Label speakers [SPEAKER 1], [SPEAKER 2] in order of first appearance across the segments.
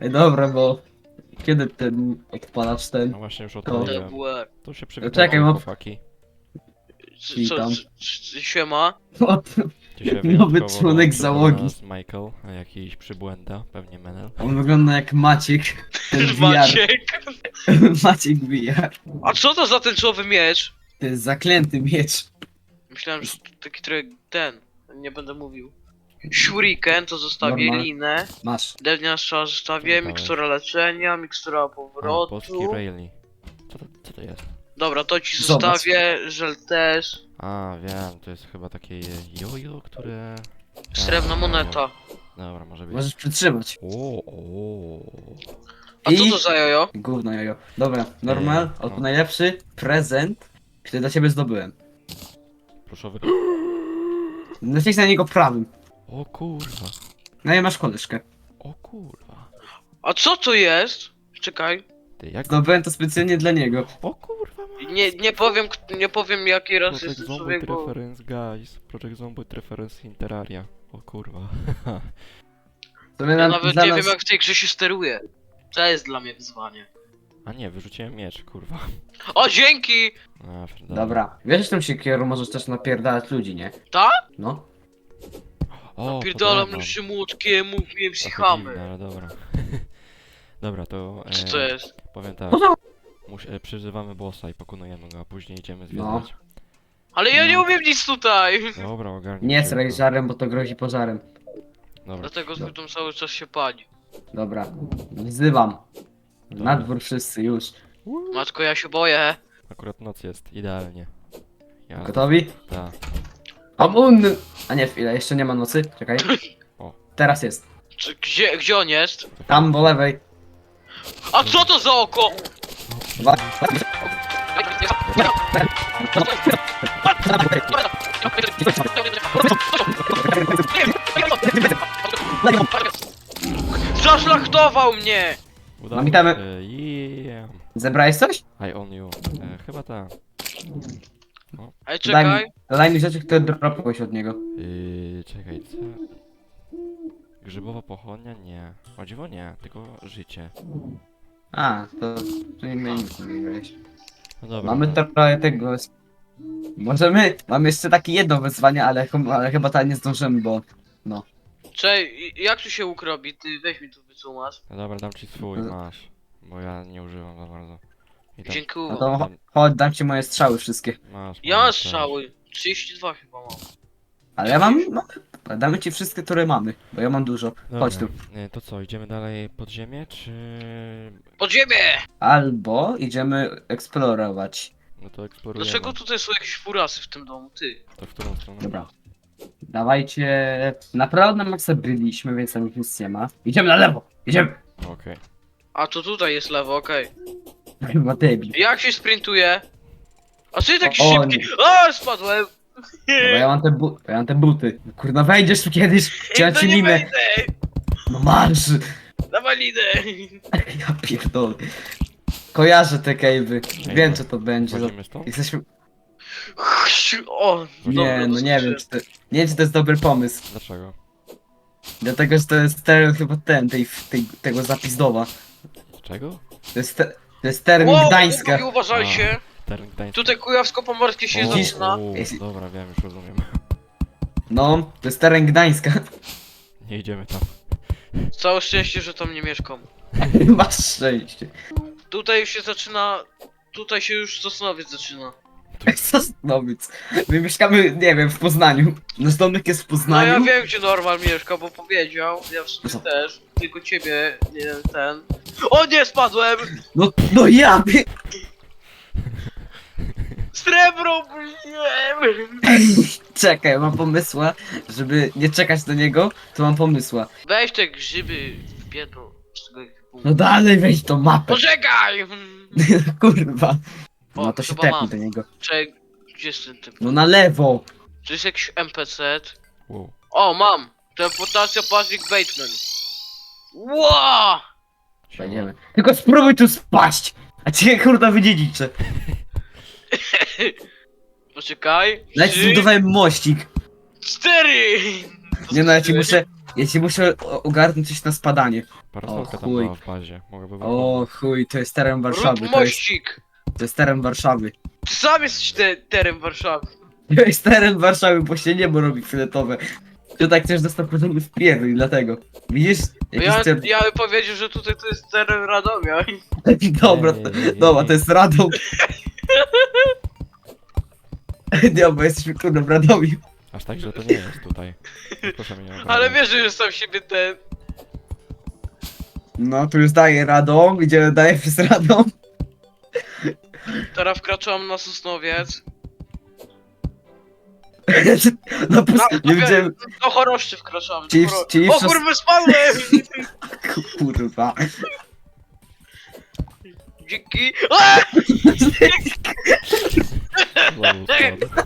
[SPEAKER 1] Ej, dobra, bo... Kiedy ten odpalacz ten?
[SPEAKER 2] No właśnie już
[SPEAKER 1] To-
[SPEAKER 2] odpaliłem.
[SPEAKER 3] TWR.
[SPEAKER 2] To się
[SPEAKER 1] Czekaj,
[SPEAKER 2] przywitajcie,
[SPEAKER 1] mam-
[SPEAKER 2] chłopaki.
[SPEAKER 1] Witam.
[SPEAKER 3] Siema?
[SPEAKER 1] Od...
[SPEAKER 2] Dzisiaj
[SPEAKER 1] Nowy
[SPEAKER 2] wyjątkowo
[SPEAKER 1] członek
[SPEAKER 2] dołączył do
[SPEAKER 1] załogi.
[SPEAKER 2] nas Michael, a jakiś przybłęda, pewnie Menel.
[SPEAKER 1] On wygląda jak Maciek. Ten VR.
[SPEAKER 3] Maciek.
[SPEAKER 1] Maciek VR.
[SPEAKER 3] A co to za tęczowy miecz?
[SPEAKER 1] To jest zaklęty miecz.
[SPEAKER 3] Myślałem, że to taki trochę ten. Nie będę mówił. Shuriken to zostawię,
[SPEAKER 1] Normal.
[SPEAKER 3] linę.
[SPEAKER 1] Masz.
[SPEAKER 3] Drewniana strzała zostawię,
[SPEAKER 2] Dawaj.
[SPEAKER 3] mikstura leczenia, mikstura
[SPEAKER 2] A, polski
[SPEAKER 3] powrotu.
[SPEAKER 2] Rayleigh. Co to jest?
[SPEAKER 3] Dobra, to ci
[SPEAKER 1] Zobacz.
[SPEAKER 3] zostawię, żel też.
[SPEAKER 2] A, wiem, to jest chyba takie jojo, które...
[SPEAKER 3] Srebrna
[SPEAKER 2] A,
[SPEAKER 3] moneta.
[SPEAKER 2] Dobra, może być.
[SPEAKER 1] Możesz przytrzymać.
[SPEAKER 2] O.
[SPEAKER 3] A co to za jojo?
[SPEAKER 1] Gówno jojo. Dobra, normal.
[SPEAKER 2] no.
[SPEAKER 1] Oto najlepszy prezent, który dla ciebie zdobyłem.
[SPEAKER 2] Pluszowy.
[SPEAKER 1] Naciśnij na niego prawym.
[SPEAKER 2] O kurwa.
[SPEAKER 1] No i masz koleżkę.
[SPEAKER 2] O kurwa.
[SPEAKER 3] A co to jest? Czekaj.
[SPEAKER 2] Ty jak...
[SPEAKER 1] Zdobyłem to specjalnie dla niego.
[SPEAKER 2] O kurwa.
[SPEAKER 3] Nie powiem jaki raz
[SPEAKER 2] Project
[SPEAKER 3] jest
[SPEAKER 2] Zombie
[SPEAKER 3] człowiek, bo...
[SPEAKER 2] Reference, guys. Project Zombie Reference in Terraria. O kurwa.
[SPEAKER 1] To my
[SPEAKER 3] Ja
[SPEAKER 1] na,
[SPEAKER 3] nawet
[SPEAKER 1] dla
[SPEAKER 3] nie
[SPEAKER 1] nas...
[SPEAKER 3] wiem jak w tej grze się steruje. To jest dla mnie wyzwanie.
[SPEAKER 2] A nie, wyrzuciłem miecz, kurwa.
[SPEAKER 3] O, dzięki!
[SPEAKER 2] A,
[SPEAKER 1] Dobra. Wiesz, że tą siekierą możesz też napierdalać ludzi, nie?
[SPEAKER 3] Tak?
[SPEAKER 1] No.
[SPEAKER 2] O,
[SPEAKER 3] Napierdalam
[SPEAKER 2] podejmam.
[SPEAKER 3] jeszcze młotkiem, mówiłem
[SPEAKER 2] Trochę dziwne,
[SPEAKER 3] psychamy.
[SPEAKER 2] ale dobra. Dobra, to...
[SPEAKER 3] Co to jest?
[SPEAKER 2] Powiem tak. Przyzywamy bossa i pokonujemy go, a później idziemy zwiedzać.
[SPEAKER 3] Ale ja nie
[SPEAKER 1] No.
[SPEAKER 3] umiem nic tutaj!
[SPEAKER 2] Dobra, ogarnij.
[SPEAKER 1] Nie
[SPEAKER 2] się,
[SPEAKER 1] sraj
[SPEAKER 2] kurwa.
[SPEAKER 1] żarem, bo to grozi pożarem.
[SPEAKER 2] Dobra.
[SPEAKER 3] Dlatego zbytom cały czas się pali.
[SPEAKER 1] Dobra. Wzywam.
[SPEAKER 2] Dobra.
[SPEAKER 1] Na dwór wszyscy już.
[SPEAKER 3] Matko, ja się boję.
[SPEAKER 2] Akurat noc jest, idealnie. Ja...
[SPEAKER 1] Gotowi?
[SPEAKER 2] Tak.
[SPEAKER 1] Amun! A nie, chwilę, jeszcze nie ma nocy. Czekaj.
[SPEAKER 2] O.
[SPEAKER 1] Teraz jest.
[SPEAKER 3] Gdzie on jest?
[SPEAKER 1] Tam po lewej.
[SPEAKER 3] A co to za oko?
[SPEAKER 1] Dwa.
[SPEAKER 3] Zaszlachtował mnie!
[SPEAKER 2] Udało
[SPEAKER 1] Witamy.
[SPEAKER 2] się. Yeah.
[SPEAKER 1] Zebrałeś coś?
[SPEAKER 2] I on you. Chyba tak.
[SPEAKER 3] Ej, czekaj.
[SPEAKER 1] Daj mi rzeczy, które dropłeś od niego.
[SPEAKER 2] Czekaj, co? Grzybowa pochodnia? Nie. O dziwo nie, tylko życie.
[SPEAKER 1] A, to nie my nic nie wygrałeś.
[SPEAKER 2] No dobra.
[SPEAKER 1] Mamy trochę tego... Możemy... Mam jeszcze takie jedno wyzwanie, ale chyba tak nie zdążymy, bo...
[SPEAKER 3] Czekaj, jak tu się ukrobi? Ty weź mi tu wycumasz.
[SPEAKER 2] No dobra, dam ci swój,
[SPEAKER 1] No.
[SPEAKER 2] masz. Bo ja nie używam za bardzo. I tak,
[SPEAKER 3] Dziękuję.
[SPEAKER 1] No to chodź, dam ci moje strzały wszystkie.
[SPEAKER 2] masz.
[SPEAKER 3] Ja
[SPEAKER 2] masz
[SPEAKER 3] mam
[SPEAKER 2] też.
[SPEAKER 3] strzały. 32 chyba mam.
[SPEAKER 1] Ale ja mam... No, damy ci wszystkie, które mamy, bo ja mam dużo. Chodź tu.
[SPEAKER 2] Dobra. To co, idziemy dalej pod ziemię, czy...
[SPEAKER 3] Pod ziemię!
[SPEAKER 1] Albo idziemy eksplorować.
[SPEAKER 2] No to eksplorujemy.
[SPEAKER 3] Dlaczego tutaj są jakieś furasy w tym domu? Ty.
[SPEAKER 2] To w którą stronę?
[SPEAKER 1] Dobra. Dawajcie... Naprawdę na maksa byliśmy, więc tam nic nie ma. Idziemy na lewo! Idziemy!
[SPEAKER 2] Okej.
[SPEAKER 3] A to tutaj jest lewo, okej.
[SPEAKER 1] Chyba debil.
[SPEAKER 3] Jak się sprintuje? A co jest taki
[SPEAKER 1] O,
[SPEAKER 3] szybki? A, spadłem!
[SPEAKER 1] Dobra, ja mam te buty. Kurna, wejdziesz tu kiedyś, cię ci
[SPEAKER 3] nie
[SPEAKER 1] linę.
[SPEAKER 3] wejdę!
[SPEAKER 1] No marsz!
[SPEAKER 3] Dawaj linę!
[SPEAKER 1] Ja pierdolę. Kojarzę te cave'y. Wiem co to będzie.
[SPEAKER 2] Wchodzimy stąd?
[SPEAKER 1] Jesteśmy...
[SPEAKER 3] O,
[SPEAKER 1] Nie,
[SPEAKER 3] dobra,
[SPEAKER 1] no nie wiem, czy to... Nie wiem, czy to jest dobry pomysł.
[SPEAKER 2] Dlaczego?
[SPEAKER 1] Dlatego, że to jest teren chyba tego zapizdowa.
[SPEAKER 2] Czego?
[SPEAKER 1] To jest teren
[SPEAKER 3] Wow,
[SPEAKER 1] Gdańska.
[SPEAKER 3] chłopaki, uważajcie!
[SPEAKER 2] Teren Gdański.
[SPEAKER 3] Tutaj kujawsko-pomorskie się
[SPEAKER 2] O,
[SPEAKER 3] zaczyna.
[SPEAKER 1] Jeśli-
[SPEAKER 2] dobra, wiem, już rozumiem.
[SPEAKER 1] No, to jest teren Gdańska.
[SPEAKER 2] Nie idziemy tam.
[SPEAKER 3] Całe szczęście, że tam nie mieszkam.
[SPEAKER 1] Masz szczęście.
[SPEAKER 3] Tutaj już się zaczyna... Tutaj się już Sosnowiec zaczyna.
[SPEAKER 1] Sosnowiec. My mieszkamy, nie wiem, w Poznaniu. Nasz domek jest w
[SPEAKER 3] No
[SPEAKER 1] Poznaniu.
[SPEAKER 3] ja wiem gdzie Normal mieszka, bo powiedział. Ja w sumie
[SPEAKER 1] Co?
[SPEAKER 3] też. Tylko ciebie, nie ten. O nie, spadłem!
[SPEAKER 1] No ja wie...
[SPEAKER 3] Srebro byłem!
[SPEAKER 1] Czekaj, mam pomysła, żeby nie czekać do niego, to mam pomysła.
[SPEAKER 3] Weź te grzyby w pierdol z tego ekwipunku.
[SPEAKER 1] No dalej weź tą mapę.
[SPEAKER 3] Poczekaj!
[SPEAKER 1] Kurwa.
[SPEAKER 3] O,
[SPEAKER 1] No to się
[SPEAKER 3] chyba
[SPEAKER 1] tepnij
[SPEAKER 3] mam.
[SPEAKER 1] do niego.
[SPEAKER 3] Czekaj, gdzie jest ten typ?
[SPEAKER 1] No na lewo.
[SPEAKER 3] To jest jakiś NPC.
[SPEAKER 2] Wow.
[SPEAKER 3] O, mam! Teleportacja Patrick Bateman. Ło!
[SPEAKER 1] Będziemy. Tylko spróbuj tu spaść. A cię kurwa wydziedziczę.
[SPEAKER 3] Poczekaj.
[SPEAKER 1] Nawet
[SPEAKER 3] 3,
[SPEAKER 1] zbudowałem mościk.
[SPEAKER 3] 4!
[SPEAKER 1] Nie no, ja ci muszę... Ja ci muszę ogarnąć coś na spadanie.
[SPEAKER 2] Parasolka
[SPEAKER 1] O,
[SPEAKER 2] tam
[SPEAKER 1] chuj.
[SPEAKER 2] była w bazie. Mogę by
[SPEAKER 1] O chuj, to jest teren
[SPEAKER 3] Rób
[SPEAKER 1] Warszawy.
[SPEAKER 3] mościk!
[SPEAKER 1] To jest teren Warszawy.
[SPEAKER 3] Ty sam jesteś terem Warszawy.
[SPEAKER 1] To jest teren Warszawy, bo się niebo robi fioletowe. Ty tak chcesz dostać podobny w pierdol, dlatego. Widzisz?
[SPEAKER 3] Bo
[SPEAKER 1] Jakiś
[SPEAKER 3] ja bym powiedział, że tutaj to jest teren Radomia.
[SPEAKER 1] Dobra,
[SPEAKER 2] Nie.
[SPEAKER 1] dobra, to jest Radom. Nie, bo jesteśmy kurde w Radomiu.
[SPEAKER 2] Aż tak, że to nie jest tutaj. Proszę mnie nie
[SPEAKER 3] Ale
[SPEAKER 2] obrażać.
[SPEAKER 3] wiesz, że sam siebie ten...
[SPEAKER 1] No, tu już daje Radom, idziemy daje przez Radom.
[SPEAKER 3] Teraz wkraczam na Sosnowiec.
[SPEAKER 1] No, nie widziałem,
[SPEAKER 3] Do Choroszczy wkraczamy.
[SPEAKER 1] Czyli- czyli
[SPEAKER 3] O
[SPEAKER 1] w Sos-
[SPEAKER 3] kurwa, spadłem!
[SPEAKER 1] kurwa.
[SPEAKER 3] Dzięki. A!
[SPEAKER 2] Znowu spadł.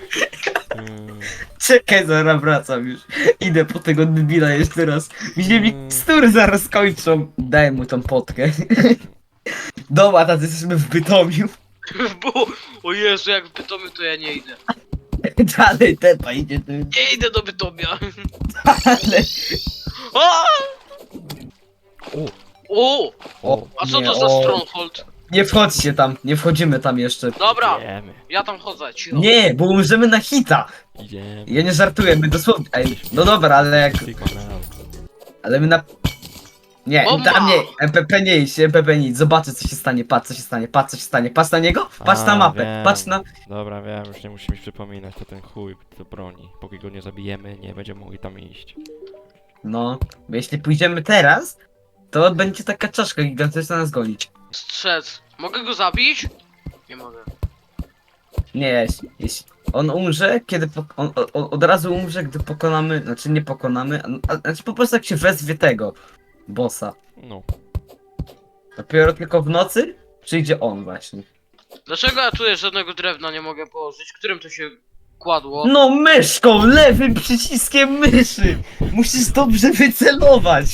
[SPEAKER 1] Czekaj, zaraz wracam już. Idę po tego debila jeszcze raz. Mi się mikstury zaraz kończą. Daj mu tą potkę. Dobra, tacy jesteśmy w Bytomiu.
[SPEAKER 3] Bo... O Jezu, jak w Bytomiu to ja nie idę.
[SPEAKER 1] Dalej tepa idzie tu.
[SPEAKER 3] Nie idę do Bytomia.
[SPEAKER 1] Ale...
[SPEAKER 3] A!
[SPEAKER 2] O!
[SPEAKER 3] O!
[SPEAKER 2] O!
[SPEAKER 3] A co
[SPEAKER 1] Nie,
[SPEAKER 3] to za
[SPEAKER 1] o.
[SPEAKER 3] Stronghold?
[SPEAKER 1] Nie wchodźcie tam, nie wchodzimy tam jeszcze.
[SPEAKER 3] Dobra,
[SPEAKER 2] Idziemy.
[SPEAKER 3] ja tam chodzę, cicho.
[SPEAKER 1] Nie, bo umrzemy na hita.
[SPEAKER 2] Idziemy.
[SPEAKER 1] Ja nie żartuję, my dosłownie... Ej, no dobra, ale jak...
[SPEAKER 2] Sigma now.
[SPEAKER 1] Ale my na... Nie,
[SPEAKER 3] Bomba!
[SPEAKER 1] tam nie, MPP nie idź, MPP nie idź, zobaczę co się stanie, patrz co się stanie, patrz co się stanie, patrz na niego, patrz na
[SPEAKER 2] A,
[SPEAKER 1] mapę,
[SPEAKER 2] wiem.
[SPEAKER 1] patrz na...
[SPEAKER 2] Dobra, wiem, już nie musimy przypominać, to ten chuj do broni. Póki go nie zabijemy, nie będziemy mogli tam iść.
[SPEAKER 1] No, bo jeśli pójdziemy teraz, to będzie taka czaszka gigantyczna nas gonić.
[SPEAKER 3] Strzec. Mogę go zabić? Nie mogę.
[SPEAKER 1] Nie, jeśli on umrze, kiedy on od razu umrze, gdy pokonamy, znaczy nie pokonamy, znaczy po prostu jak się wezwie tego bossa.
[SPEAKER 2] No.
[SPEAKER 1] Dopiero tylko w nocy przyjdzie on właśnie.
[SPEAKER 3] Dlaczego ja tutaj żadnego drewna nie mogę położyć? Którym to się kładło?
[SPEAKER 1] No myszką, lewym przyciskiem myszy! Musisz dobrze wycelować!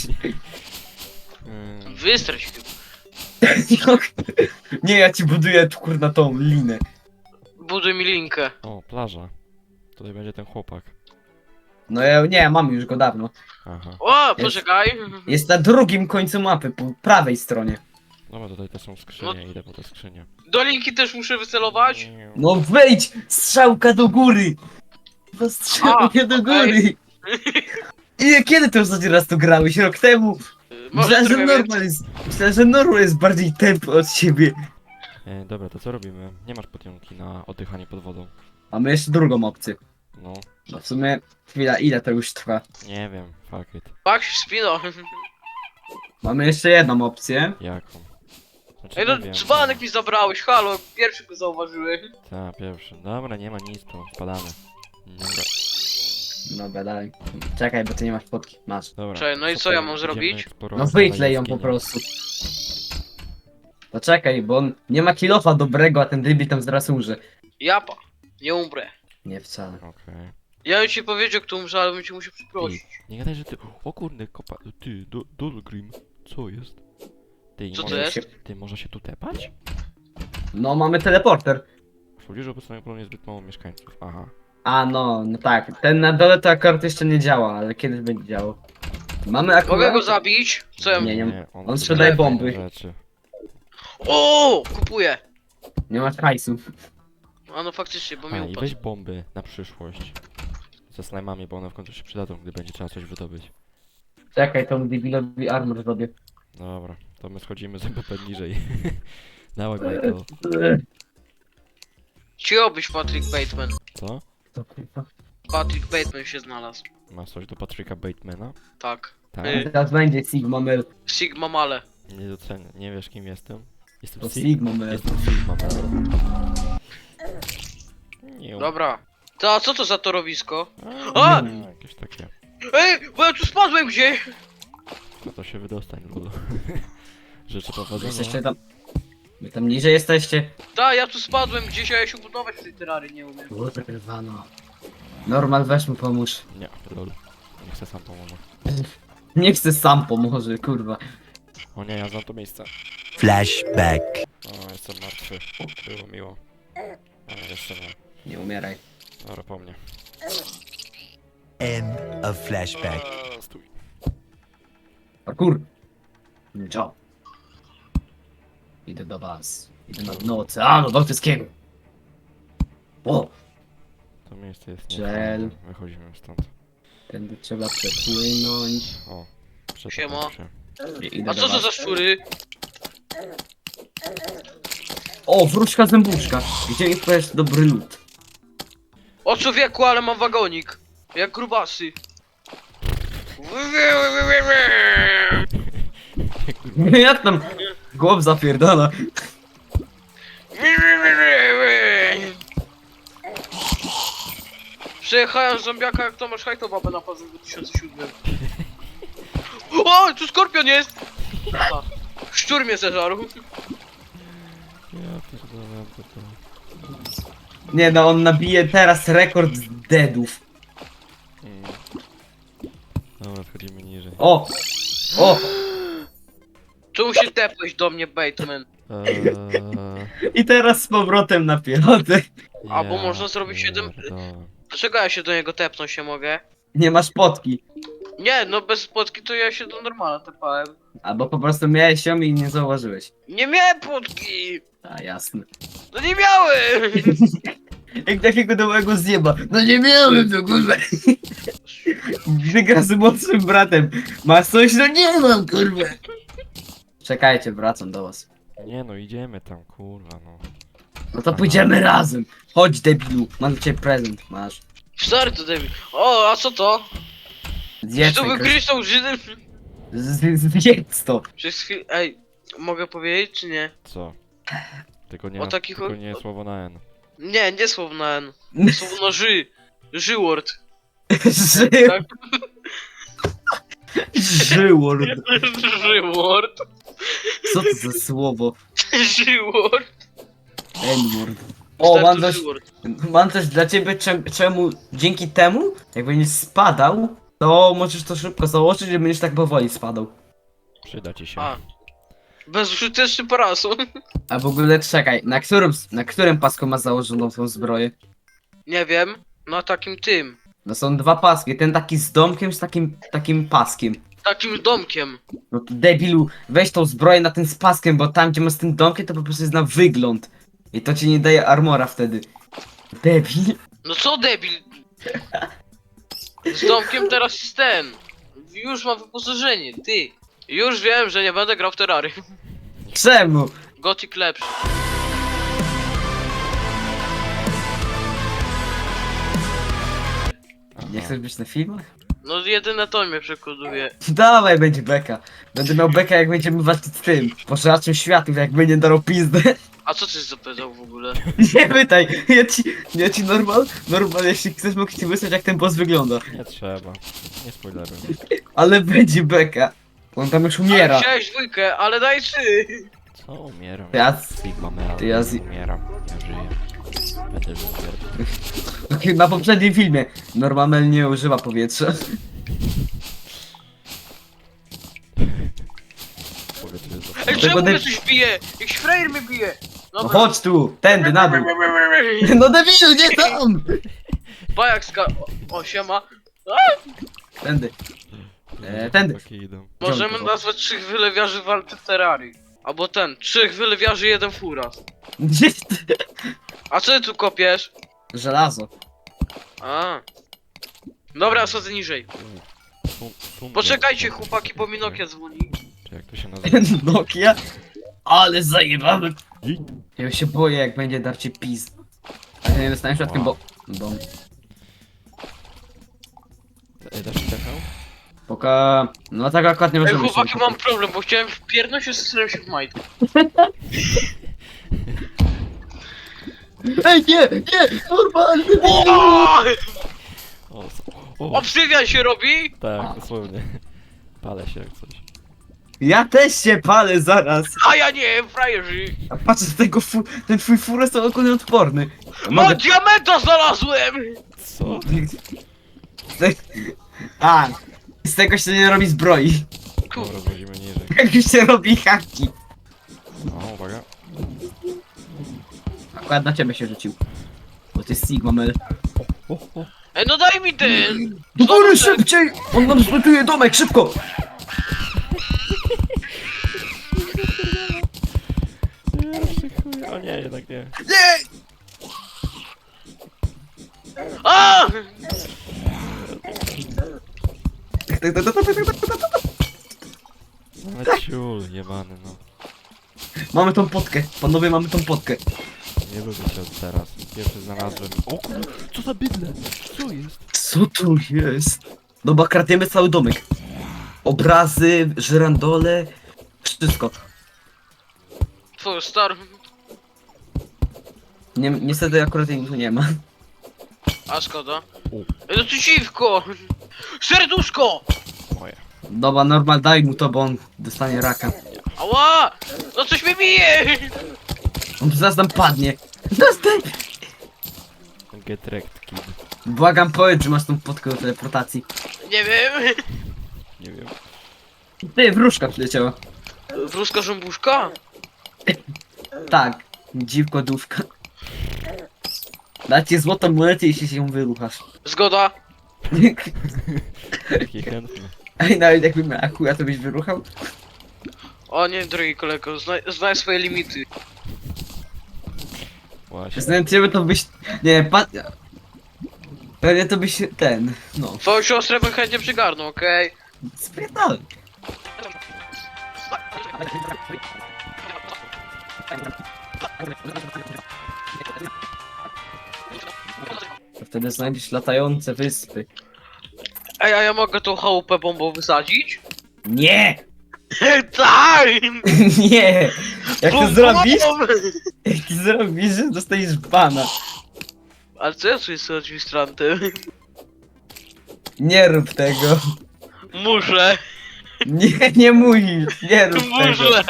[SPEAKER 3] Wystreś.
[SPEAKER 1] Nie, ja ci buduję tu kurna tą linę.
[SPEAKER 3] Buduj mi linkę.
[SPEAKER 2] O, plaża. Tutaj będzie ten chłopak.
[SPEAKER 1] No ja nie, mam już go dawno.
[SPEAKER 2] Aha.
[SPEAKER 3] O, poczekaj.
[SPEAKER 1] Jest na drugim końcu mapy, po prawej stronie.
[SPEAKER 2] Dobra, tutaj te są skrzynie, idę po te skrzynie.
[SPEAKER 3] Do linki też muszę wycelować.
[SPEAKER 1] No wejdź! Strzałka do góry! No strzałka do
[SPEAKER 3] okej.
[SPEAKER 1] góry! I kiedy to ostatni raz tu grałeś? Rok temu?
[SPEAKER 3] Może
[SPEAKER 1] Myślałem, że
[SPEAKER 3] trochę
[SPEAKER 1] normal jest, myślałem, że normal jest bardziej tępy od siebie.
[SPEAKER 2] Dobra, to co robimy? Nie masz potionki na oddychanie pod wodą.
[SPEAKER 1] Mamy jeszcze drugą opcję.
[SPEAKER 2] No,
[SPEAKER 1] No w sumie, chwila, ile to już trwa?
[SPEAKER 2] nie wiem, fuck it.
[SPEAKER 3] Pak się spino.
[SPEAKER 1] Mamy jeszcze jedną opcję.
[SPEAKER 2] Jaką? Znaczy,
[SPEAKER 3] Ej, no
[SPEAKER 2] nie wiem.
[SPEAKER 3] dzbanek mi zabrałeś, halo, pierwszy go zauważyłem.
[SPEAKER 2] Tak, pierwszy. Dobra, nie ma nic tu, spadamy. Dobra,
[SPEAKER 1] Dobra, dalej. Czekaj, bo ty nie masz fotki. Masz.
[SPEAKER 2] dobra.
[SPEAKER 3] Czekaj, no i co
[SPEAKER 2] Super,
[SPEAKER 3] ja mam
[SPEAKER 2] idziemy
[SPEAKER 3] zrobić?
[SPEAKER 2] eksplorować
[SPEAKER 1] No wyklej ją
[SPEAKER 2] jaskinię.
[SPEAKER 1] po prostu. No czekaj, bo on nie ma kilofa dobrego, a ten debil tam zaraz umrze.
[SPEAKER 3] Japa, nie umrę.
[SPEAKER 1] Nie wcale.
[SPEAKER 2] Okej.
[SPEAKER 3] Ja bym ci powiedział, kto umrze, ale bym cię musiał przeprosić.
[SPEAKER 2] Nie gadaj, że ty... O kurde, kopa... Ty, Dolgrim. Co jest? Ty,
[SPEAKER 3] Co to
[SPEAKER 2] może
[SPEAKER 3] jest?
[SPEAKER 2] się- Ty, może się tu tepać?
[SPEAKER 1] No mamy teleporter.
[SPEAKER 2] W pobliżu obecnego planu jest zbyt mało mieszkańców. Aha.
[SPEAKER 1] A no, no tak. Ten na dole to akurat jeszcze nie działa, ale kiedyś będzie działał. Mamy akurat...
[SPEAKER 3] Mogę go zabić? Co ja...
[SPEAKER 1] Nie, on
[SPEAKER 2] tu
[SPEAKER 1] sprzedaje
[SPEAKER 2] daje
[SPEAKER 1] bomby.
[SPEAKER 2] Rzeczy.
[SPEAKER 3] O, kupuję.
[SPEAKER 1] Nie masz hajsu.
[SPEAKER 3] A no faktycznie, bo mi
[SPEAKER 2] A, i
[SPEAKER 3] upadł.
[SPEAKER 2] weź bomby na przyszłość. Ze slajmami, bo one w końcu się przydadzą, gdy będzie trzeba coś wydobyć.
[SPEAKER 1] Czekaj, to debilowi armor zrobię.
[SPEAKER 2] Dobra, to my schodzimy z MP niżej. Dawaj, Michael.
[SPEAKER 3] Cicho być Patrick Bateman.
[SPEAKER 2] Co?
[SPEAKER 1] To kurwa.
[SPEAKER 3] Patrick Bateman się znalazł.
[SPEAKER 2] Masz coś do Patricka Batemana?
[SPEAKER 3] Tak.
[SPEAKER 2] Tak?
[SPEAKER 1] Teraz będzie Sigma Mel.
[SPEAKER 3] Sigma Male.
[SPEAKER 2] Nie docenię, nie wiesz kim jestem? Jestem
[SPEAKER 1] To
[SPEAKER 2] Sig-
[SPEAKER 1] Sigma Mel.
[SPEAKER 2] Jestem Sigma Man. Nie.
[SPEAKER 3] Dobra. To a co to za torowisko?
[SPEAKER 2] A!
[SPEAKER 3] A!
[SPEAKER 2] Jakieś takie.
[SPEAKER 3] Ej, bo ja tu spadłem gdzie?
[SPEAKER 2] No to się wydostań, Lulu. Życzę
[SPEAKER 1] Jesteście
[SPEAKER 2] powodzenia.
[SPEAKER 1] tam... Wy tam niżej jesteście?
[SPEAKER 3] Ta, ja tu spadłem gdzieś, a ja się budować w tej terrarii nie umiem.
[SPEAKER 1] Kurwa. Normal, weź mu pomóż.
[SPEAKER 2] Nie, lol. Nie chcę sam pomoże.
[SPEAKER 1] Nie chcę sam pomoże, kurwa.
[SPEAKER 2] O nie, ja znam to miejsce.
[SPEAKER 4] Flashback.
[SPEAKER 2] O, jestem martwy. Było miło. Ale jeszcze nie.
[SPEAKER 1] Nie umieraj.
[SPEAKER 2] Dobra, po mnie.
[SPEAKER 4] End of flashback.
[SPEAKER 2] Stój.
[SPEAKER 1] Parkour. Ciao. Idę do was. Idę na dno oceanu bałtyckiego. O!
[SPEAKER 2] To miejsce jest
[SPEAKER 1] Żel.
[SPEAKER 2] niefajne. Wychodzimy stąd.
[SPEAKER 1] Tędy trzeba przepłynąć.
[SPEAKER 2] O,
[SPEAKER 3] Siema.
[SPEAKER 2] się.
[SPEAKER 1] Idę
[SPEAKER 3] A
[SPEAKER 1] do
[SPEAKER 3] co to
[SPEAKER 1] was.
[SPEAKER 3] za szczury?
[SPEAKER 1] O, wróćka zębuszka. Gdzie mi powiesz dobry lód?
[SPEAKER 3] O człowieku, ale mam wagonik. Jak grubasy.
[SPEAKER 1] Jak tam głąb zapierdala?
[SPEAKER 3] Przejechałem z zombiaka jak Tomasz Hajto babę na pazę w 2007. O, tu skorpion jest! A, szczur mnie zeżarł.
[SPEAKER 2] Ja pierdolę, to.
[SPEAKER 1] Nie no, on nabije teraz rekord deadów.
[SPEAKER 2] Dobra, schodzimy niżej.
[SPEAKER 1] O! O!
[SPEAKER 3] Czemu się tepłeś do mnie, Bateman?
[SPEAKER 1] I teraz z powrotem na piechotę.
[SPEAKER 3] A, bo można zrobić 7
[SPEAKER 2] pierdolę.
[SPEAKER 3] Dlaczego ja się do niego tepnąć się mogę?
[SPEAKER 1] Nie masz potki.
[SPEAKER 3] Nie, no bez spotki to ja się do normala tepałem.
[SPEAKER 1] Albo po prostu miałeś ją i nie zauważyłeś.
[SPEAKER 3] Nie miałem płotki!
[SPEAKER 1] A jasne.
[SPEAKER 3] No nie miałem!
[SPEAKER 1] Jak takiego dołego zjeba. No nie miałem to kurwa. Gdy gra z młodszym bratem. Masz coś? No nie mam kurwa. Czekajcie, wracam do was.
[SPEAKER 2] Nie no, idziemy tam, kurwa no.
[SPEAKER 1] No to pójdziemy razem. Chodź debilu, mam dla ciebie prezent. Masz.
[SPEAKER 3] Stary to debil. O, a co to? Czy
[SPEAKER 1] Zjedz
[SPEAKER 3] to
[SPEAKER 1] ten
[SPEAKER 3] wygryź tą Żydem?
[SPEAKER 1] Zjedz to.
[SPEAKER 3] Przez chwilę... Ej, mogę powiedzieć czy nie?
[SPEAKER 2] Co? Tylko nie,
[SPEAKER 3] O takich
[SPEAKER 2] tylko
[SPEAKER 3] o-
[SPEAKER 2] nie słowo na N.
[SPEAKER 3] Nie, nie słowo na N. Słowo na Ży. Żyword. Tak?
[SPEAKER 1] Żyword.
[SPEAKER 3] Żyword.
[SPEAKER 1] Co to za słowo?
[SPEAKER 3] Żyword.
[SPEAKER 1] N-word. O,
[SPEAKER 3] Stary,
[SPEAKER 1] mam
[SPEAKER 3] to
[SPEAKER 1] coś,
[SPEAKER 3] żyword.
[SPEAKER 1] mam coś dla ciebie, czemu dzięki temu, jak będziesz spadał, to możesz to szybko założyć i będziesz tak powoli spadał.
[SPEAKER 2] Przyda ci się.
[SPEAKER 3] A. Bezużyteczny parasol.
[SPEAKER 1] A w ogóle czekaj, na którym pasku masz założoną tą zbroję?
[SPEAKER 3] Nie wiem. Na takim tym.
[SPEAKER 1] No są dwa paski, ten taki z domkiem, z takim paskiem.
[SPEAKER 3] Takim domkiem.
[SPEAKER 1] No to debilu, weź tą zbroję na ten z paskiem, bo tam gdzie masz ten domkiem to po prostu jest na wygląd. I to ci nie daje armora wtedy. Debil.
[SPEAKER 3] No co debil? Z domkiem teraz jest ten. Już mam wyposażenie, ty. Już wiem, że nie będę grał w Terrarium.
[SPEAKER 1] Czemu?
[SPEAKER 3] Gothic lepszy.
[SPEAKER 1] Nie chcesz być na filmach?
[SPEAKER 3] No jedyne to mnie przekonuje.
[SPEAKER 1] Dawaj, będzie beka. Będę miał beka jak będziemy walczyć z tym. Pożeraczem światów, jak będzie darł pizdę.
[SPEAKER 3] A co ty zapytał w ogóle?
[SPEAKER 1] Nie pytaj, ja ci normal, jeśli chcesz mogę ci wysłać jak ten boss wygląda.
[SPEAKER 2] Nie trzeba. Nie spoileruj.
[SPEAKER 1] Ale będzie beka. On tam już umiera.
[SPEAKER 3] Wziąłeś dwójkę, ale daj trzy.
[SPEAKER 2] Co? Umieram.
[SPEAKER 1] Ja-
[SPEAKER 2] Sigma Mel.
[SPEAKER 1] ja
[SPEAKER 2] Umieram. Ja żyję. Będę żył.
[SPEAKER 1] Na poprzednim filmie Normal nie używa powietrza.
[SPEAKER 2] Powiedz, że to...
[SPEAKER 3] Ej,
[SPEAKER 1] Tego
[SPEAKER 3] czemu mnie
[SPEAKER 1] deb-
[SPEAKER 3] coś bije? Jakiś frajer mnie bije.
[SPEAKER 1] No chodź tu, tędy, na dół. No debilu, nie tam!
[SPEAKER 3] Bajak ska... O, siema.
[SPEAKER 1] Tędy. Tędy.
[SPEAKER 2] Takie idą.
[SPEAKER 3] Możemy
[SPEAKER 1] to?
[SPEAKER 3] nazwać 3 wylewiarzy walczy w Terrarii. Albo ten, 3 wylewiarzy, 1 furas.
[SPEAKER 1] Gdzie ty?
[SPEAKER 3] A co ty tu kopiesz?
[SPEAKER 1] Żelazo.
[SPEAKER 3] A. Dobra, schodzę niżej.
[SPEAKER 2] Tu
[SPEAKER 3] Poczekajcie chłopaki, bo mi Nokia dzwoni.
[SPEAKER 2] Czy jak to się nazywa?
[SPEAKER 1] Nokia. Ale zajebamy.
[SPEAKER 2] Ej,
[SPEAKER 1] Ja się boję jak będzie darcie pis. A ja nie dostaniesz przypadkiem bo...
[SPEAKER 2] dasz mi techał?
[SPEAKER 1] Poka... No tak akurat nie
[SPEAKER 3] Ej
[SPEAKER 1] możemy
[SPEAKER 3] chłopaki,
[SPEAKER 1] się
[SPEAKER 3] mam problem, bo chciałem wpierdnąć się z się w majtkę.
[SPEAKER 1] Ej, nie, normalny.
[SPEAKER 2] O, o,
[SPEAKER 3] Obsydian się robi?
[SPEAKER 2] tak, dosłownie. Palę się jak coś.
[SPEAKER 1] Ja też się palę zaraz.
[SPEAKER 3] A ja nie, frajerzy.
[SPEAKER 1] A patrz, ten twój furę jest ogólnie odporny.
[SPEAKER 3] No diamenta znalazłem!
[SPEAKER 2] Co?
[SPEAKER 1] A, z tego się nie robi zbroi.
[SPEAKER 2] Dobra, wchodzimy niżej.
[SPEAKER 1] Jak się robi haki.
[SPEAKER 2] O, uwaga.
[SPEAKER 1] Akurat na ciebie się rzucił. Bo ty jest Sigma Mel.
[SPEAKER 3] Ej no daj mi ten!
[SPEAKER 1] Do góry szybciej! On nam zlutuje domek, szybko!
[SPEAKER 2] Kurde, o nie, jednak nie.
[SPEAKER 3] A!
[SPEAKER 2] Ale ciul, jebany, no.
[SPEAKER 1] Mamy tą potkę, panowie, mamy tą potkę.
[SPEAKER 2] Nie lubię cię od teraz. Pierwszy znalazłem. O kurde, co za bydle? Co jest?
[SPEAKER 1] Co tu jest? Dobra, kradniemy cały domek. Obrazy, żyrandole, wszystko.
[SPEAKER 3] Twój star.
[SPEAKER 1] Niestety akurat jej tu nie ma.
[SPEAKER 3] A szkoda.
[SPEAKER 2] U.
[SPEAKER 3] No przeciwko! Serduszko!
[SPEAKER 2] Moje.
[SPEAKER 1] Dobra, normal, daj mu to, bo on dostanie raka.
[SPEAKER 3] Ała! No coś mnie bije!
[SPEAKER 1] On zaraz nam padnie. Dostaj!
[SPEAKER 2] Get wrecked, kid.
[SPEAKER 1] Błagam, powiedz, że masz tą potkę do teleportacji.
[SPEAKER 3] Nie wiem.
[SPEAKER 2] Nie wiem.
[SPEAKER 1] Ty, wróżka przyleciała.
[SPEAKER 3] Wróżka żąbuszka?
[SPEAKER 1] Tak, dziwko duszka. Dajcie złotą monetę, jeśli się ją wyruchasz.
[SPEAKER 3] Zgoda.
[SPEAKER 2] Taki chętny.
[SPEAKER 1] Ej, nawet jakbym miał chuja, to byś wyruchał?
[SPEAKER 3] O nie, drogi kolego, znaj swoje limity.
[SPEAKER 2] Właśnie.
[SPEAKER 1] Znając ciebie, to byś... Nie, pewnie to byś ten... No,
[SPEAKER 3] Twoją siostrę bym chętnie przygarnął, okej?
[SPEAKER 1] spierdalaj. To wtedy znajdziesz latające wyspy.
[SPEAKER 3] Ej, a ja mogę tą chałupę bombą wysadzić?
[SPEAKER 1] Nie!
[SPEAKER 3] Tak!
[SPEAKER 1] Nie! Jak to
[SPEAKER 3] Bum,
[SPEAKER 1] zrobisz?
[SPEAKER 3] bum.
[SPEAKER 1] Jak to zrobisz, że dostaniesz bana.
[SPEAKER 3] Ale co ja czuję z administrantem?
[SPEAKER 1] Nie rób tego.
[SPEAKER 3] Muszę!
[SPEAKER 1] Nie musisz, nie rób tego.
[SPEAKER 3] Muszę!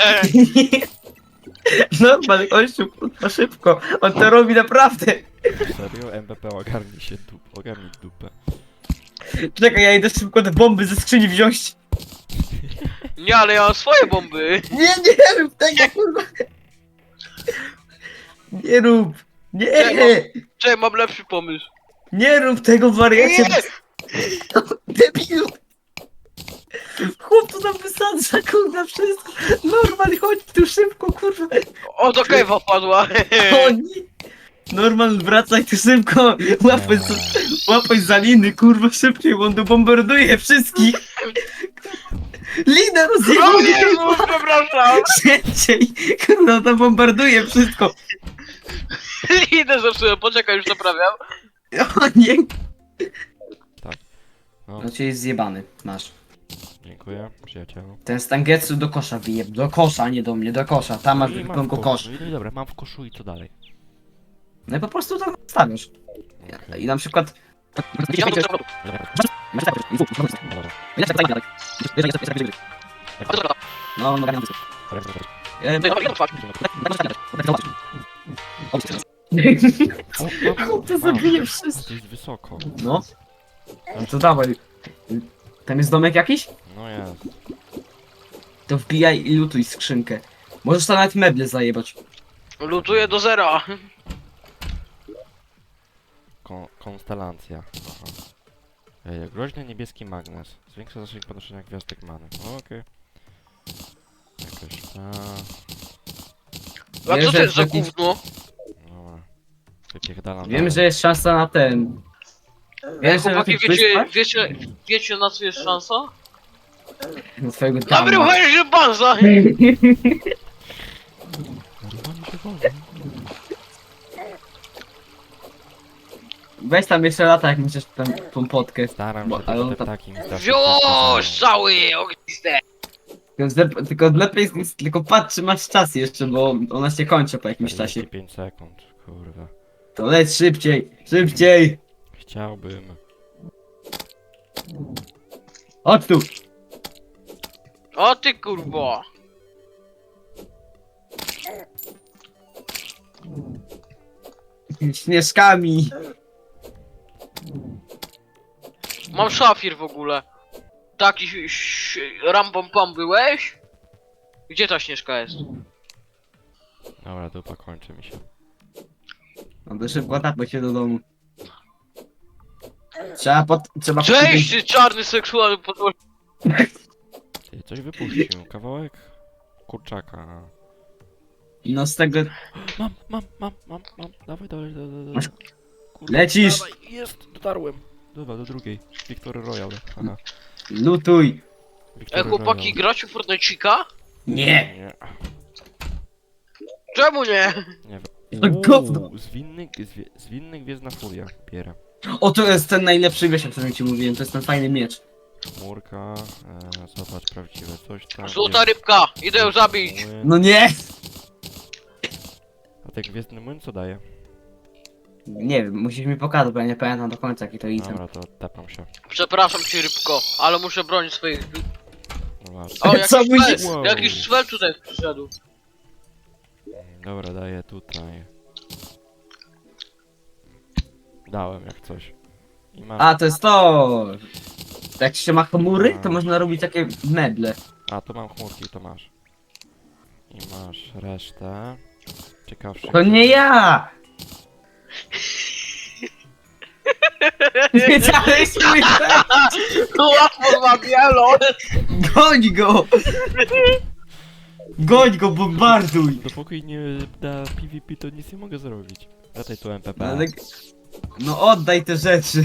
[SPEAKER 1] Normal, gościu, kurwa, szybko. On to robi naprawdę.
[SPEAKER 2] Serio? MPP ogarnij się ogarnij dupę.
[SPEAKER 1] Czekaj, ja idę szybko te bomby ze skrzyni wziąć.
[SPEAKER 3] Nie, ale ja mam swoje bomby!
[SPEAKER 1] Nie rób tego, kurwa. Nie rób. Nie,
[SPEAKER 3] Czekaj, mam lepszy pomysł.
[SPEAKER 1] nie rób tego, wariacie.
[SPEAKER 3] Nie!
[SPEAKER 1] Debilu. Chłop to tam wysadza, kurwa, wszystko. Normal, chodź tu szybko, kurwa.
[SPEAKER 3] O, do kejwa wpadła!
[SPEAKER 1] O nie. Normal, wracaj tu szybko. Łapaj za liny, kurwa, szybciej, bo on tu bombarduje wszystkich. Linę
[SPEAKER 3] O
[SPEAKER 1] rozjechał.
[SPEAKER 3] Jezu, przepraszam!
[SPEAKER 1] Szybciej, kurwa, to bombarduje wszystko.
[SPEAKER 3] Idę zepsułem, poczekaj, już naprawiam.
[SPEAKER 1] O nie.
[SPEAKER 2] No,
[SPEAKER 1] No cię jest zjebany, masz.
[SPEAKER 2] dziękuję, przyjacielu.
[SPEAKER 1] Ten Stangetsu do kosza wyjeb. Do kosza, nie do mnie, do kosza. Tam masz
[SPEAKER 2] I mam
[SPEAKER 1] tylko
[SPEAKER 2] w
[SPEAKER 1] kosz.
[SPEAKER 2] No i dobra, mam w koszu i co dalej?
[SPEAKER 1] No i po prostu to stawiasz. I na przykład... No, no, to zabije wszystko.
[SPEAKER 2] To jest wysoko.
[SPEAKER 1] No. No to dawaj. Tam jest domek jakiś?
[SPEAKER 2] No jest.
[SPEAKER 1] To wbijaj i lutuj skrzynkę. Możesz tam nawet meble zajebać.
[SPEAKER 3] Lutuję do zera.
[SPEAKER 2] Konstelacja. Aha. Groźny niebieski magnes. Zwiększa zasięg podnoszenia gwiazdek many. O, okej. Jakoś
[SPEAKER 3] A
[SPEAKER 1] Wiesz,
[SPEAKER 3] co to
[SPEAKER 1] że
[SPEAKER 3] jest za
[SPEAKER 1] taki-
[SPEAKER 3] gówno?
[SPEAKER 2] Dobra. Wypierdalam
[SPEAKER 1] Wiem,
[SPEAKER 2] dalej.
[SPEAKER 1] że jest szansa na ten. Wiesz, że na
[SPEAKER 3] Chłopaki,
[SPEAKER 1] tych
[SPEAKER 3] wiecie,
[SPEAKER 1] wyspach?
[SPEAKER 3] wiecie na co jest szansa?
[SPEAKER 1] Na twojego
[SPEAKER 3] Na
[SPEAKER 1] dama.
[SPEAKER 3] wyruchanie banza!
[SPEAKER 2] Oni się wolą.
[SPEAKER 1] Weź tam jeszcze lata, jak musisz tą potkę.
[SPEAKER 2] Staram
[SPEAKER 1] Bo-
[SPEAKER 2] się,
[SPEAKER 1] ale
[SPEAKER 2] to
[SPEAKER 1] on
[SPEAKER 2] te
[SPEAKER 1] tam-
[SPEAKER 2] ptaki mi strasznie
[SPEAKER 3] Wziąłeś
[SPEAKER 2] przeszkadzają.
[SPEAKER 3] cały ogniste!
[SPEAKER 1] Tylko lepiej, tylko patrz, czy masz czas jeszcze, bo ona się kończy po jakimś czasie.
[SPEAKER 2] 45 sekund, kurwa.
[SPEAKER 1] To leć szybciej, szybciej!
[SPEAKER 2] Chciałbym.
[SPEAKER 1] Chodź tu!
[SPEAKER 3] O ty kurwa!
[SPEAKER 1] Śnieżkami!
[SPEAKER 3] Mam szafir w ogóle. Taki rambom pam byłeś? Gdzie ta śnieżka jest?
[SPEAKER 2] Dobra, dupa kończy mi się.
[SPEAKER 1] No to szybko tapać się do domu. Trzeba
[SPEAKER 3] Cześć, ty czarny seksualny podłoż...
[SPEAKER 2] Ty coś wypuścił, kawałek kurczaka.
[SPEAKER 1] No z tego...
[SPEAKER 2] Mam. Dawaj.
[SPEAKER 1] Masz-
[SPEAKER 2] Kurwa,
[SPEAKER 1] Lecisz.
[SPEAKER 2] Dawaj. Jest, dotarłem. Dobra, do drugiej. Victory Royale. Aha.
[SPEAKER 1] Lutuj.
[SPEAKER 2] Victory
[SPEAKER 3] Chłopaki,
[SPEAKER 2] Royale.
[SPEAKER 3] gracie w Fortnite'cika?
[SPEAKER 1] Nie.
[SPEAKER 2] Nie.
[SPEAKER 3] Czemu nie?
[SPEAKER 2] Nie
[SPEAKER 1] To
[SPEAKER 2] wiem.
[SPEAKER 1] gówno.
[SPEAKER 2] Zwinny Gwiezdna Furia. Bierę.
[SPEAKER 1] O, to jest ten najlepszy wiesz, o którym ci mówiłem, to jest ten fajny miecz.
[SPEAKER 2] Chmurka. Zobacz, prawdziwe coś tam.
[SPEAKER 3] Złota
[SPEAKER 2] jest.
[SPEAKER 3] rybka, idę ją zabić.
[SPEAKER 2] Młyn.
[SPEAKER 1] No nie!
[SPEAKER 2] A ten Gwiezdny Młyn co daje?
[SPEAKER 1] Nie wiem, musisz mi pokazać, bo ja nie pamiętam do końca jaki to item.
[SPEAKER 2] Dobra, to tepam się.
[SPEAKER 3] Przepraszam cię rybko, ale muszę bronić swoich...
[SPEAKER 2] No właśnie.
[SPEAKER 3] O,
[SPEAKER 1] Co
[SPEAKER 3] jakiś
[SPEAKER 1] musisz-
[SPEAKER 3] cwel,
[SPEAKER 2] Wow.
[SPEAKER 3] jakiś cwel tutaj przyszedł.
[SPEAKER 2] Dobra, daję tutaj. Dałem jak coś. I masz.
[SPEAKER 1] A, to jest to! Jak się ma chmury, to można robić takie meble.
[SPEAKER 2] A, to mam chmurki, to masz. I masz resztę. Ciekawsze.
[SPEAKER 1] To nie ja! Wiedziałeś mój ten?
[SPEAKER 3] Łatwo ma bielo.
[SPEAKER 1] Goń go! Goń go, bombarduj!
[SPEAKER 2] Dopóki nie da PvP, to nic nie mogę zrobić. Daj tu MPP.
[SPEAKER 1] Ale... No oddaj te rzeczy.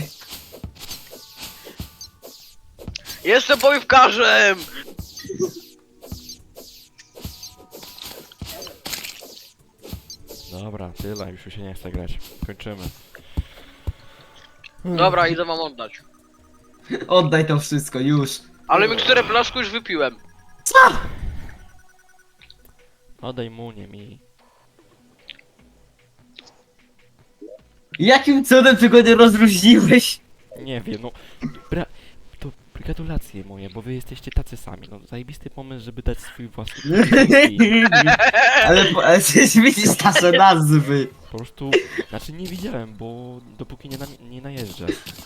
[SPEAKER 3] Jestem bojówkarzem!
[SPEAKER 2] Dobra, tyle, już się nie chce grać. Kończymy.
[SPEAKER 3] Dobra, idę wam oddać.
[SPEAKER 1] Oddaj to wszystko, już.
[SPEAKER 3] Ale miksturę blasku już wypiłem.
[SPEAKER 2] Oddaj mu, nie mi.
[SPEAKER 1] Jakim cudem ty go nie rozróżniłeś?
[SPEAKER 2] Nie wiem, no. To gratulacje moje, bo wy jesteście tacy sami. No, zajebisty pomysł, żeby dać swój własny PvP.
[SPEAKER 1] Ale przecież widzisz nasze nazwy.
[SPEAKER 2] Po prostu, znaczy nie widziałem, bo dopóki nie najeżdżę.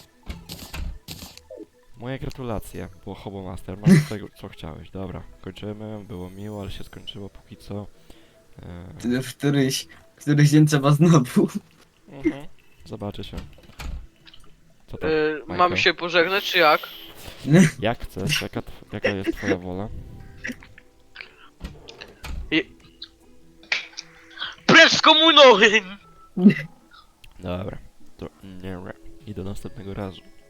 [SPEAKER 2] Moje gratulacje, było Hobo Master, masz tego co chciałeś. Dobra, kończymy, było miło, ale się skończyło póki co.
[SPEAKER 1] Któryś dzień trzeba znowu.
[SPEAKER 2] Zobaczy się. Co tam?
[SPEAKER 3] Mam
[SPEAKER 2] Michael?
[SPEAKER 3] się pożegnać, czy jak?
[SPEAKER 2] Jak chcesz? Jaka jest twoja wola?
[SPEAKER 3] Precz z komuną!
[SPEAKER 2] Dobra, to nie, i do następnego razu.